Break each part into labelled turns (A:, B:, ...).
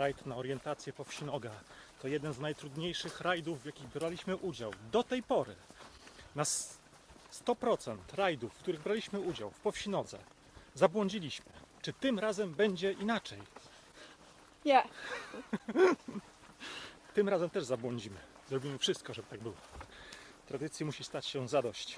A: rajd na orientację po wsi Noga. To jeden z najtrudniejszych rajdów, w jakich braliśmy udział. Do tej pory na 100% rajdów, w których braliśmy udział w Powsinodze, zabłądziliśmy. Czy tym razem będzie inaczej?
B: Nie.
A: Tym razem też zabłądzimy. Zrobimy wszystko, żeby tak było. Tradycji musi stać się zadość.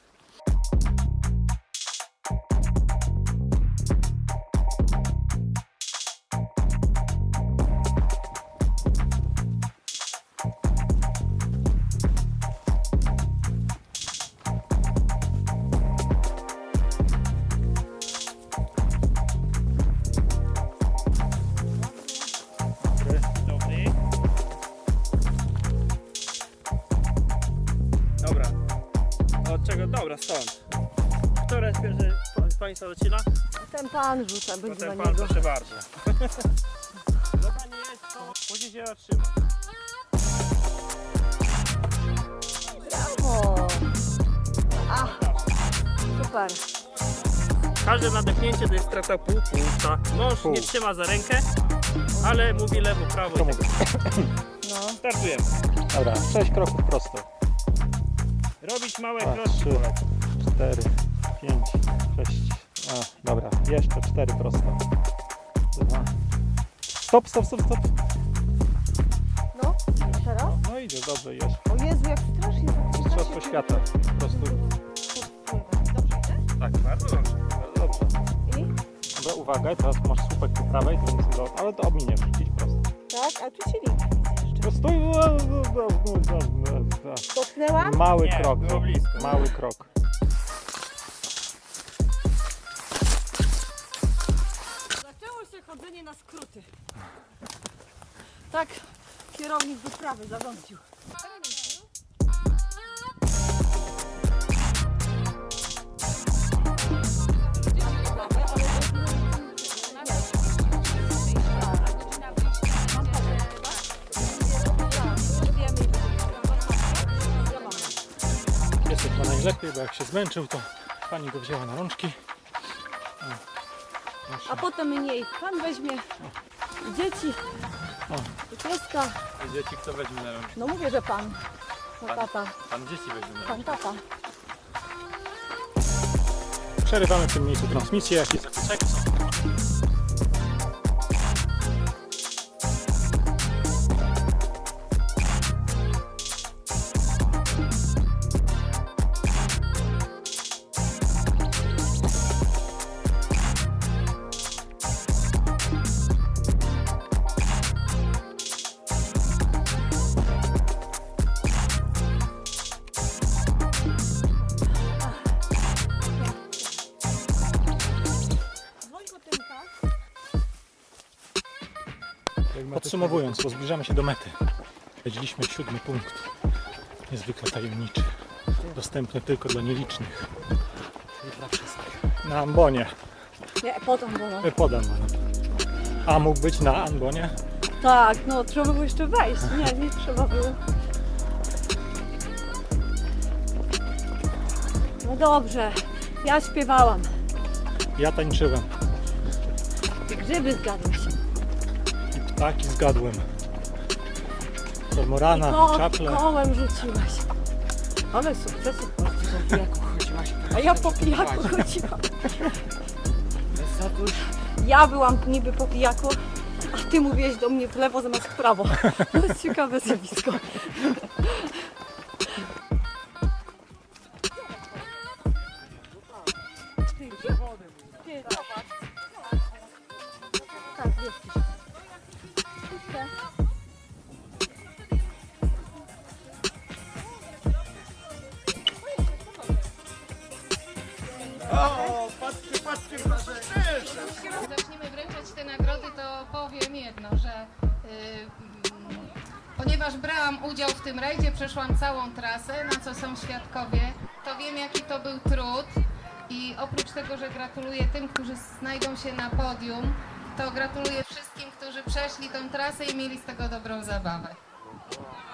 C: Dobra. Od czego? Dobra, stąd. Które jest pierwszy z Państwa zaczyna?
B: Ten pan rzuca, będzie
C: Potem
B: na
C: pan,
B: niego.
C: proszę bardzo. Dobra, nie jest to. Później się zatrzyma.
B: O. A, super.
C: Każde nadechnięcie to jest strata pół punkta. Mąż nie trzyma za rękę, ale mówi lewo, prawo.
A: To
C: i
A: mówię.
B: No.
C: Startujemy.
A: Dobra, 6 kroków prosto.
C: Robić małe
A: 2,
C: kroczki.
A: 3, 4, 5, 6. A, dobra, jeszcze 4 prosto. 2. Stop, stop, stop, stop.
B: No, a teraz?
A: No idzie, dobrze, jest.
B: O Jezu, jak strasznie.
A: Mistrzostwo świata. Po prostu.
B: Dobrze idziesz?
C: Tak, bardzo dobrze.
A: Bardzo dobrze.
B: I?
A: Dobra, uwaga, teraz masz słupek po prawej, to jest do... ale to ominiesz, idź prosto.
B: Tak, a tu się liczy jeszcze.
A: No stój!
B: Dotknęłam?
A: Mały
C: Nie,
A: krok,
C: było blisko.
A: mały krok.
B: Zaczęło się chodzenie na skróty. Tak, kierownik wyprawy zarządził.
A: Jest chyba najlepiej, bo jak się zmęczył, to pani go wzięła na rączki. O,
B: A potem mniej. Pan weźmie i dzieci, i pieska.
C: Dzieci kto weźmie na rączki?
B: No mówię, że pan. No tata.
C: Pan dzieci weźmie na
B: Pan tata.
A: Przerywamy w tym miejscu transmisję, jakieś zakłócenia są. Podsumowując, bo zbliżamy się do mety. Śledziliśmy 7. punkt. Niezwykle tajemniczy. Dostępny tylko dla nielicznych. Czyli dla wszystkich. Na ambonie.
B: Nie, potem było.
A: Pod ambonem. A mógł być na ambonie?
B: Tak, no trzeba było jeszcze wejść. Nie, nie trzeba było. No dobrze, ja śpiewałam.
A: Ja tańczyłem.
B: I grzyby zgadły się.
A: I ptaki zgadłem. Kormorana, czaple.
B: Kołem rzuciłaś. Ale sukcesy po pijaku chodziłaś. A ja po pijaku chodziłam. Ja byłam niby po pijaku, a ty mówiłeś do mnie w lewo zamiast w prawo. To jest ciekawe zjawisko. Tak, jesteś.
C: O, patrzcie, patrzcie, proszę.
D: Zaczniemy wręczać te nagrody, to powiem jedno, że ponieważ brałam udział w tym rajdzie, przeszłam całą trasę, na co są świadkowie, to wiem jaki to był trud i oprócz tego, że gratuluję tym, którzy znajdą się na podium, to gratuluję wszystkim, którzy przeszli tą trasę i mieli z tego dobrą zabawę.